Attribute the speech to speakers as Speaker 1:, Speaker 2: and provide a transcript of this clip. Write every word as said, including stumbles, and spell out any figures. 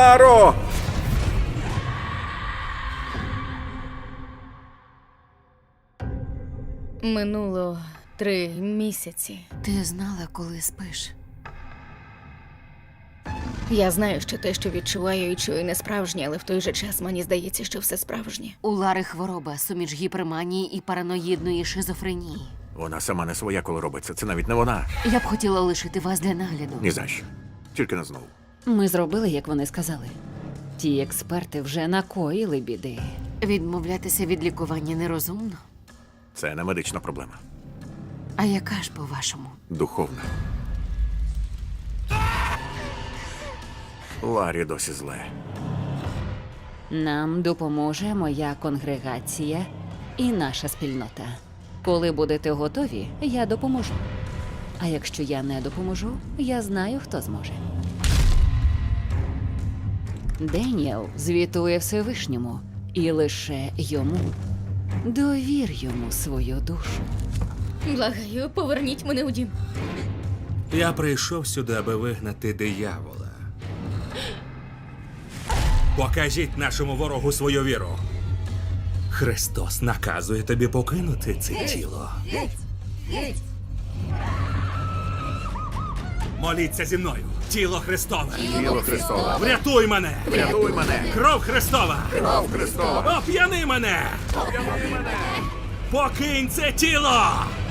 Speaker 1: Ларо!
Speaker 2: Минуло три місяці.
Speaker 3: Ти знала, коли спиш?
Speaker 2: Я знаю, що те, що відчуваю і чую, не справжнє, але в той же час мені здається, що все справжнє.
Speaker 3: У Лари хвороба, суміч гіперманії і параноїдної шизофренії.
Speaker 1: Вона сама не своя, коли робиться. Це навіть не вона.
Speaker 3: Я б хотіла лишити вас для нагляду.
Speaker 1: Ні за що. Тільки не знову.
Speaker 4: Ми зробили, як вони сказали. Ті експерти вже накоїли біди.
Speaker 3: Відмовлятися від лікування нерозумно.
Speaker 1: Це не медична проблема.
Speaker 3: А яка ж, по-вашому?
Speaker 1: Духовна. Ларі досі зле.
Speaker 4: Нам допоможе моя конгрегація і наша спільнота. Коли будете готові, я допоможу. А якщо я не допоможу, я знаю, хто зможе. Деніел звітує Всевишньому, і лише йому. Довір йому свою душу.
Speaker 2: Благаю, поверніть мене у дім.
Speaker 5: Я прийшов сюди, аби вигнати диявола. Покажіть нашому ворогу свою віру. Христос наказує тобі покинути це тіло. Моліться зі мною. Тіло Христове.
Speaker 1: Тіло Христове.
Speaker 5: Врятуй мене.
Speaker 1: Врятуй мене.
Speaker 5: Кров Христова.
Speaker 1: Кров Христова.
Speaker 5: Оп'яни мене.
Speaker 1: Оп'яни мене.
Speaker 5: Покинь це тіло.